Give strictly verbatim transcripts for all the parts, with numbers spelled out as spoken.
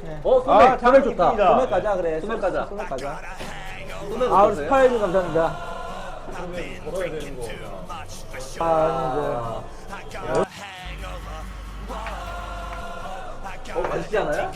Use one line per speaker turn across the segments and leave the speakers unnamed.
네.
어, 소맥.
아,
소맥 좋다.
소맥 가자 그래.
소맥 가자.
소맥 가자.
소맥
아 우리
어떠세요?
스파이님 감사합니다.
걸어야 되는 거.
아
어, 맛있지 않아요?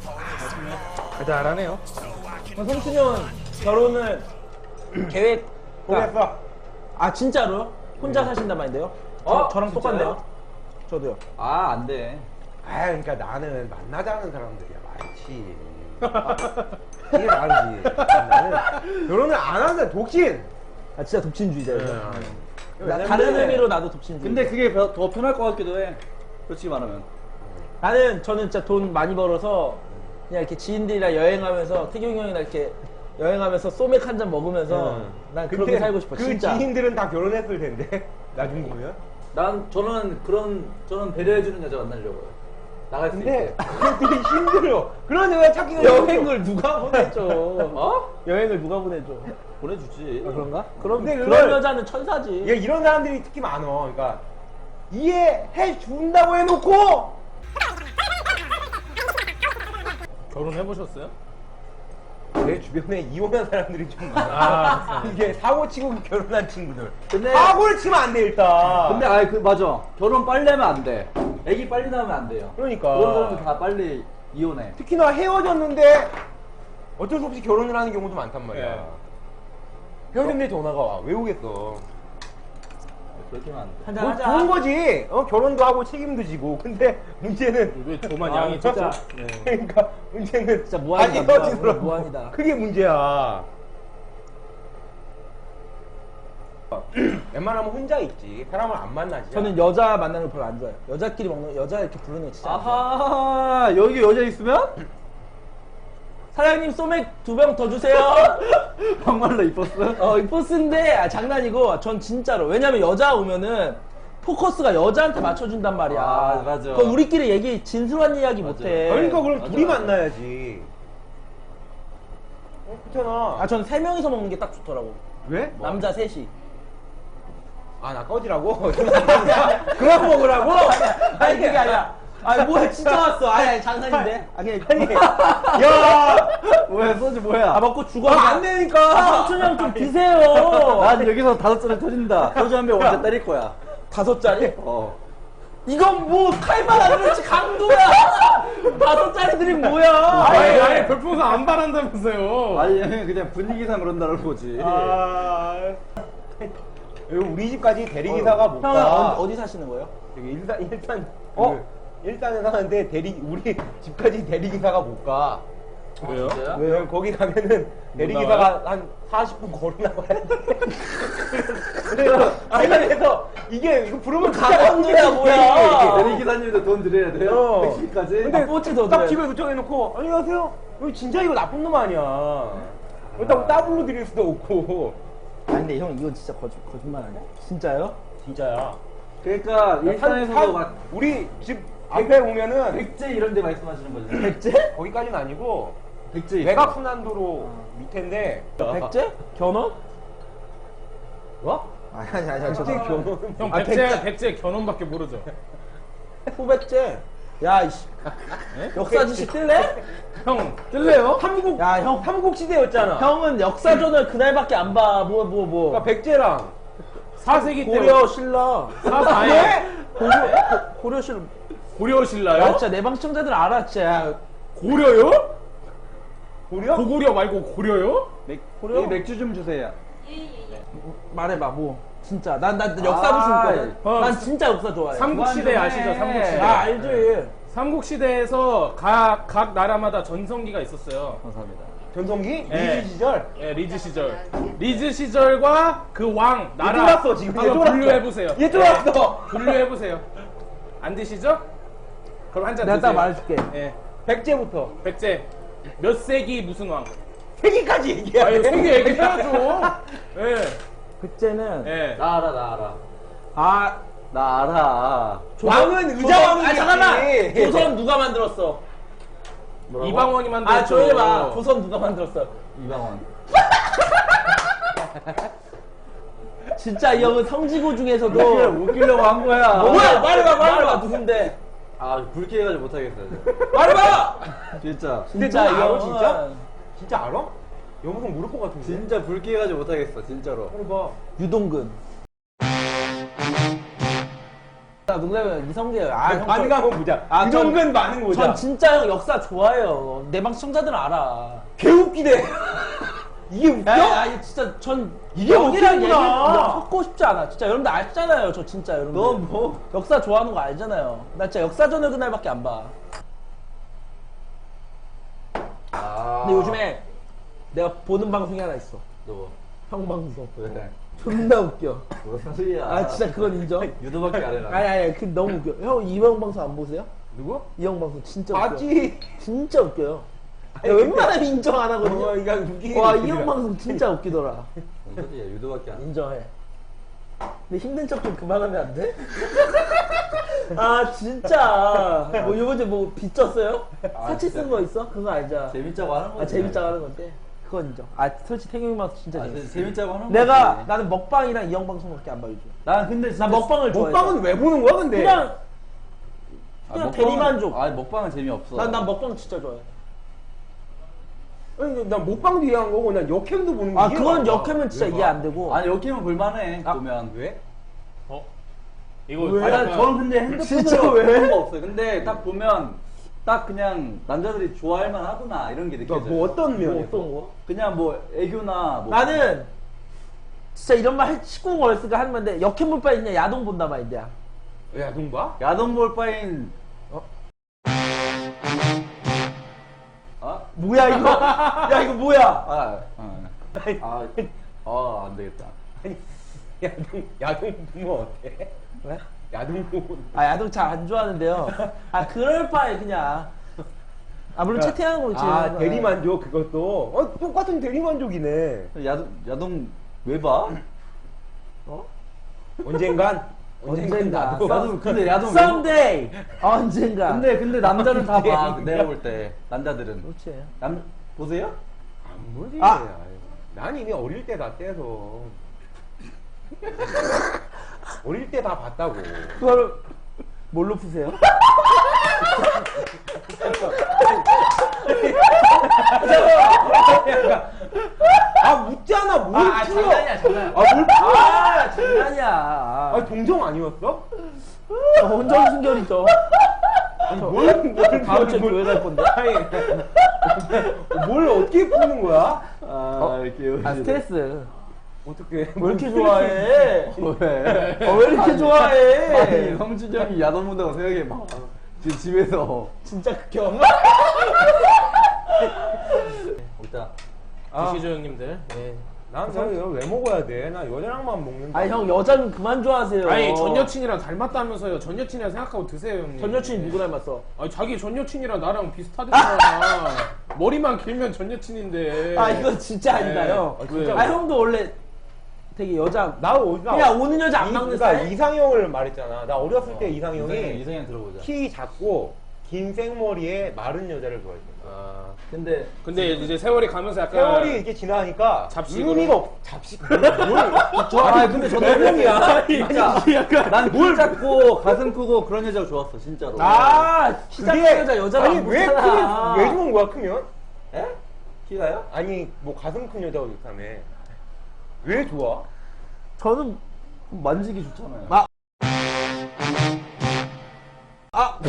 달달하네요.
이제 성춘이 형 결혼을 계획
보냈어.
아 진짜로? 혼자 사신단 말인데요? 저,
어?
저랑
진짜요?
똑같네요. 저도요.
아, 안 돼.
아, 그러니까 나는 만나자는 사람들이야 많지. 이게 다르지. 나는 결혼을 안 한다 독신.
아 진짜 독신주의자예요. 나,
왜냐면
다른
근데-
의미로 나도 독신주의.
근데 그게 더, 더 편할 것 같기도 해. 솔직히 말하면.
나는 저는 진짜 돈 많이 벌어서 그냥 이렇게 지인들이랑 여행하면서 태경이 형이랑 이렇게 여행하면서 소맥 한 잔 먹으면서
응.
난
근데
그렇게 살고 싶어.
그
진짜.
지인들은 다 결혼했을 텐데 나중 보면.
난, 저는 그런, 저는 배려해주는 여자 만나려고요. 나갈 수
근데
있게.
그게 되게 힘들어. 그런 여자 찾기가
여행을 누가 보내줘?
어?
여행을 누가 보내줘?
보내주지.
아, 그런가? 그럼
근데
그런
그걸-
여자는 천사지.
얘 이런 사람들이 특히 많어. 그러니까 이해해 준다고 해놓고
결혼해보셨어요?
내 주변에 이혼한 사람들이 좀 많아.
아,
이게 사고 치고 결혼한 친구들.
근데-
사고를 치면 안 돼 일단.
근데 아이 그 맞아. 결혼 빨리 하면 안 돼. 애기 빨리 나오면 안 돼요.
그러니까.
그런 사람은 다 빨리 이혼해.
특히나 헤어졌는데 어쩔 수 없이 결혼을 하는 경우도 많단 말이야.
예.
헤어졌는데 전화가 와. 왜 오겠어?
그렇게 하면 안 돼.
한잔
뭐
하자.
좋은 거지. 어, 결혼도 하고 책임도 지고. 근데 문제는
왜 저만
아,
양이
진짜.
적죠? 네.
그러니까 문제는
진짜 무한이다,
아니,
무한,
헤어지더라고.
무한이다.
그게 문제야. 웬만하면 혼자 있지. 사람을 안 만나지.
저는 여자 만나는 거 별로 안 좋아해요. 여자끼리 먹는 여자 이렇게 부르는 거 진짜 안 좋아해요.
아하, 여기 여자 있으면?
사장님 소맥 두 병 더 주세요.
정말로 이뻤어?
어, 이 포스인데 아, 장난이고 전 진짜로. 왜냐면 여자 오면은 포커스가 여자한테 맞춰준단 말이야.
아, 맞아.
그럼 우리끼리 얘기 진솔한 이야기
맞아.
못해.
그러니까 그럼
맞아,
둘이
맞아.
만나야지. 어, 그렇잖아.
아, 전 세 명이서 먹는 게 딱 좋더라고.
왜?
남자 셋이.
아, 나 꺼지라고? 그만 먹으라고?
아니 그게 아니라. 아니 뭐야 진짜 왔어. 아니, 아니 장난인데. 아니 아니.
야!
뭐야, 소주 뭐야?
아 먹고 죽어.
아, 안 되니까!
아, 삼촌 형좀 드세요.
난 여기서 다섯 잔을 터진다. 소주 한 병 언제 때릴 거야?
다섯 짜리?
어.
이건 뭐 칼만 안 그렇지 강도야. 다섯 짜리들이 뭐야?
아니, 아니, 별풍선 안 바란다면서요.
아니, 그냥 분위기상 그런다는 거지.
아. 여기 우리 집까지 대리기사가 못
형은
가.
어디, 어디 사시는 거예요?
여기 일산, 일산,
어?
그 일산에 사는데 대리, 우리 집까지 대리기사가 못 가.
왜요?
진짜요?
왜요? 거기 가면은 대리기사가 한 사십 분 걸어 나가야 돼. 그래서, 아니, 그래서 이게, 이거 부르면
강원도야, 뭐야.
대리기사님도 돈 드려야 돼요?
어.
택시까지?
근데 뽀치 더
딱
드려요.
집에 도착해놓고, 안녕하세요. 여기 진짜 이거 나쁜 놈 아니야. 그렇다고 따블로 드릴 수도 없고.
아니 근데 형 이건 진짜 거짓, 거짓말 아니야? 진짜요?
진짜야.
그러니까 일산에서도 막
우리 집 앞에 오면은
백제 이런 데 말씀하시는 거죠?
백제?
거기까지는 아니고
백제 있어.
외곽순환도로 밑인데
백제? 견훤?
뭐?
아니 아니 아니
백제
죄송합니다.
견훤
형,
아,
백제,
백제.
백제 견훤밖에 모르죠?
후백제? 야 이씨 역사 지식 뜰래?
형, 뜰래요?
삼국
야, 형.
삼국 시대였잖아.
형은 역사전을 그날밖에 안 봐. 뭐 뭐 뭐.
그러니까 백제랑
사 세기 때.
고려 신라.
사, 아니,
고려 고- 고려 신라.
고려
야
신라요?
진짜 내 방청자들 알아 진짜.
고려요?
고려?
고구려 말고 고려요?
맥,
고려?
여기 맥주 좀 주세요.
말해봐 뭐. 진짜 난 난 역사도
아,
좋거든.
어,
난 진짜 역사 좋아해.
삼국시대
그만 좀
아시죠?
해.
삼국시대.
아 알지.
삼국시대에서 각, 각 나라마다 전성기가 있었어요.
감사합니다.
전성기?
네.
리즈 시절?
예, 리즈 시절. 리즈 시절과 그 왕, 나라.
쫄았어, 지금. 얘
한번
쫄았어.
분류해보세요.
얘 쫄았어.
예, 분류해보세요. 안 되시죠? 그럼 한 잔
내가
드세요.
딱 말해줄게.
예.
백제부터
백제. 몇 세기 무슨 왕?
세기까지 얘기해.
아유, 세기 얘기해야죠. 예.
백제는
예.
나 알아, 나 알아.
아
나 알아.
왕은
조선-
의자왕이지.
아 잠깐만. 조선 누가 만들었어?
뭐라고?
이방원이 만들었죠.
아 조용히 봐. 조선 누가 만들었어?
이방원.
진짜 이 형은 성지고 중에서도
그걸 웃기려고 한 거야.
뭐야 말해봐 말해봐 누군데?
아, 불쾌해가지고 못하겠어요.
말해봐.
진짜.
근데
진짜
너 알아,
이거
진짜? 진짜 알아? 영상 모를 것 같은데.
진짜 불쾌해가지고 못하겠어 진짜로.
빨리 봐.
유동근. 나 농담이에요. 이성재예요. 아, 형.
반응 한번 보자.
아, 전-
유동근 반응 보자.
전 진짜 형 역사 좋아해요. 내 방 시청자들은 알아.
개웃기네. 이게 웃겨?
야, 야, 이거 진짜 전
이게
여기랑 얘기
웃기구나.
섞고 싶지 않아. 진짜 여러분들 아시잖아요. 저 진짜 여러분들.
너 뭐?
역사 좋아하는 거 알잖아요. 나 진짜 역사전을 그날밖에 안 봐.
아.
근데 요즘에 내가 보는 방송이 하나 있어.
너
형 방송.
왜?
존나 웃겨.
무슨 소리야?
아 진짜 그건 인정.
유도밖에 안 해라.
아니 아니 그 너무 웃겨. 형 이형 방송 안 보세요?
누구?
이 형 방송 진짜 웃겨.
맞지.
진짜 웃겨요.
아니,
야, 웬만하면 인정 안 하거든요.
어, 이거 웃기긴
와,
웃기더라.
이 형 방송 진짜 웃기더라.
무슨 소리야? 유도밖에 안 해.
인정해. 근데 힘든 척 좀 그만하면 안 돼? 아, 진짜. 뭐, 이번에 뭐, 빚졌어요?
아,
사치
진짜.
쓴 거 있어? 그거 알자.
재밌자고 하는 거지.
아, 재밌자고 하는 건데. 그건 인정. 아, 솔직히 태경이 방송 진짜
아,
재밌어.
재밌자고 하는 거지.
내가, 나는 먹방이랑 이 형 방송밖에 안 봐, 요즘.
난 근데 진짜
나 먹방을 좋아해.
먹방은 왜 보는 거야, 근데?
그냥,
아,
그냥
먹방은-
대리만족.
아, 먹방은 재미없어.
난, 난 먹방 진짜 좋아해.
아니, 난 먹방도 이해한 거고, 난 역캠도 보는 거
아,
이해가
그건
안 가.
역하면 진짜
왜 봐?
이해 안 되고.
아니, 여기면 볼만해.
아,
보면.
왜?
어? 이거
왜?
아니, 난
약간-
저는 근데 핸드폰으로
진짜 왜?
그런 거 없어요. 근데 딱 보면 딱 그냥 남자들이 좋아할 만하구나 이런 게 느껴져요.
그러니까 뭐 어떤
뭐
면에?
어떤 거?
그냥 뭐 애교나 뭐
나는 진짜 이런 말 십구 어렸으니까 하는 건데 역행 볼 바에 그냥 야동 본다 마인드야.
야, 동 봐?
야동 볼 바엔
어?
아?
뭐야 이거? 야 이거 뭐야?
아, 아, 아, 아, 안 되겠다.
아니, 야동, 야동 보면 어때?
왜?
야동 보면.
아 야동 잘 안 좋아하는데요. 아 그럴 바에 그냥 아 물론 채팅하는 거
아,
지금
대리만족 그것도. 어, 똑같은 대리만족이네.
야동 야동 왜 봐?
어?
언젠간.
언젠가.
나도.
야동 근데 야동 왜 봐?
someday 언젠가.
근데 근데 남자는 다 봐. 내가 볼 때 남자들은
그렇지.
남 보세요?
안 보지.
아!
아유, 난 이미 어릴 때 다 떼서. 어릴 때 다 봤다고.
그걸 뭘로 푸세요?
아, 묻잖아. 뭘
아, 아
풀어.
장난이야 장난.
아, 뭘 풀어.
아 장난이야.
아, 동정 아니었어?
저 혼전 순결이죠.
뭘, 뭘,
다음 주에
뭘,
교회 갈 건데.
아니, 뭘 어떻게 푸는 거야?
아, 이렇게
아 스트레스.
어떻게?
왜 이렇게 좋아해?
왜?
어, 왜 이렇게 좋아해?
아니, 형준이 형이 야동 본다고 생각해봐. 지금 집에서
진짜 극혐.
일단
아,
드시죠 형님들. 예.
난 사실 이거 왜 먹어야 돼? 나 여자랑만 먹는다.
아니 형 여자는 그만 좋아하세요.
아니 전 여친이랑 닮았다면서요. 전 여친이라 생각하고 드세요 형님.
전 여친이 누구 닮았어?
아니 자기 전 여친이랑 나랑 비슷하대잖아. 머리만 길면 전 여친인데.
아 이거 진짜 아닌가요?
아, 진짜
아 형도 원래 되게 여자
나 어디가?
그냥 오는 여자 안 막는
그러니까
스타일?
이상형을 말했잖아. 나 어렸을 때
이상형
이상형이
이상형 들어보자.
키 작고 긴 생머리에 마른 여자를 좋아했어.
아,
근데
근데 이제 세월이 가면서 약간
세월이 이렇게 지나니까
잡식으로.
의미가 없. 잡식. 뭘? 뭘?
아 근데 저도
형이야.
진짜 난키 작고 가슴 크고 그런 여자가 좋았어 진짜로.
아키 작은 여자 여자가
아니
안
왜
보잖아.
크게 왜 좋은 거야 크면?
에? 키가요?
아니 뭐 가슴 큰 여자가 좋다며. 왜 좋아?
저는
만지기 좋잖아요.
아. 아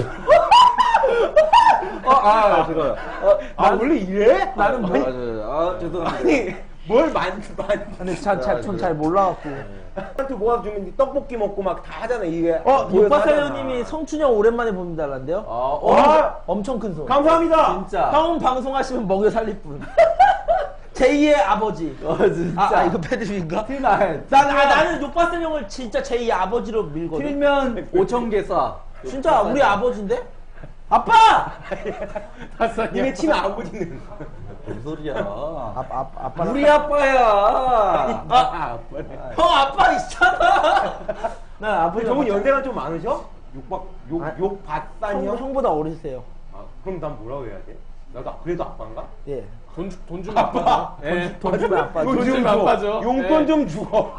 어, 아 제가 어,
아 원래 이래?
나는
아,
뭐
저, 아 죄송합니다.
아니 뭘 만, 만.
근데 전잘 몰라갖고
한테 모아서 주면 떡볶이 먹고 막 다 하잖아 이게.
어
모여서
육바사연님이
하잖아.
성춘형 오랜만에 봅니다란데요?
아,
어,
와!
엄청 큰 손.
감사합니다.
진짜.
형 방송하시면 먹여 살릴 분. 제이의 아버지.
어 진짜.
아, 아 이거 패드립인가?
틀나
난, 아, 나는 욕바쌤 형을 진짜 제이의 아버지로 밀거든.
틀면 오천 개 쏴.
진짜 우리 아버지인데? 아빠!
이게 친아 아버지는.
뭔 소리야?
아, 아, 아빠.
우리 아빠야.
아,
형 아빠 있잖아. 난 아버지.
저분 연세가 좀 많으셔? 욕박 욕
아,
욕받다니
형,
형?
형보다 어리세요.
아, 그럼 난 뭐라고 해야 돼? 나도 그래도 아빠인가?
예.
돈, 주- 돈 주면 아빠죠. 예.
돈 주면 아빠.
돈 주면 아빠죠.
용돈
예.
좀 주고.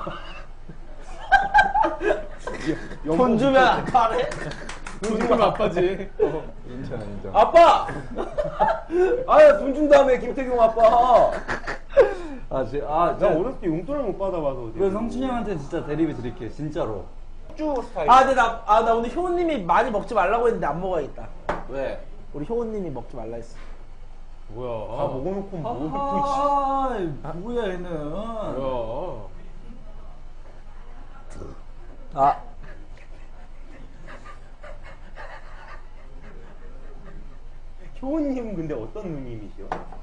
돈 주면 아빠래?
돈 주면 아빠지. 어.
인정 인정.
아빠!
아돈 준 다음에 김태경 아빠. 아, 제, 아,
나
저,
어렸을 때 용돈을 못 받아봐서.
그 성춘이 형한테 진짜 대리비 드릴게요, 진짜로.
쭉 스타일.
아, 근데 나, 아, 나 오늘 효우님이 많이 먹지 말라고 했는데 안 먹어야겠다.
왜?
우리 효우님이 먹지 말라 했어.
뭐야?
다 먹어놓고 뭐.
아, 뭐야 얘는.
뭐야?
아,
효우님은 근데 어떤 누님이시요?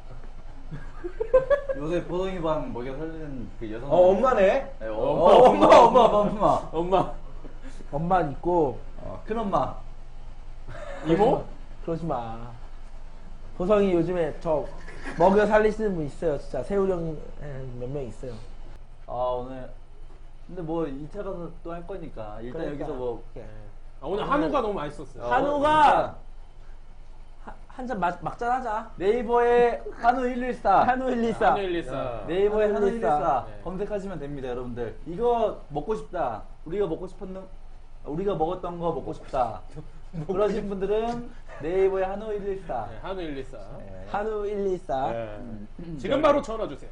요새 보성이 방 먹여 살리는 그 여성.
어, 엄마네.
네, 어,
엄마,
어, 엄마, 엄마, 엄마, 엄마.
엄마,
엄마는 있고.
어, 큰 엄마.
이모?
그러지 마. 보성이 요즘에 저 먹여 살리시는 분 있어요. 진짜 세훈 형 몇 명 있어요.
아 오늘. 근데 뭐 이 차 가서 또 할 거니까 일단
그러니까.
여기서 뭐.
아, 오늘 한우가 너무 맛있었어요.
어,
한우가 한 잔 막잔 하자.
네이버에 한우 일일사.
한우 일이사.
한우 일이사.
네이버에 한우
일일사.
일일사
네.
검색하시면 됩니다, 여러분들. 이거 먹고 싶다. 우리가 먹고 싶었는 우리가 먹었던 거 먹고 싶다. 그러신 분들은 네이버에 한우 일일사.
네, 한우 일이사.
네.
한우 일이사.
네.
지금 바로 전화 주세요.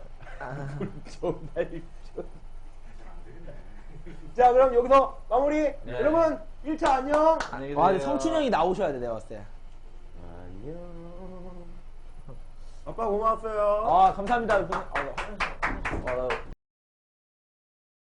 자, 그럼 여기서 마무리. 여러분, 일 차 안녕.
안녕히
아, 근데
계세요.
성춘 형이 나오셔야 돼, 내가 봤을 때.
안녕. 아빠 고마웠어요.
아, 감사합니다. 아, 나-
어, 나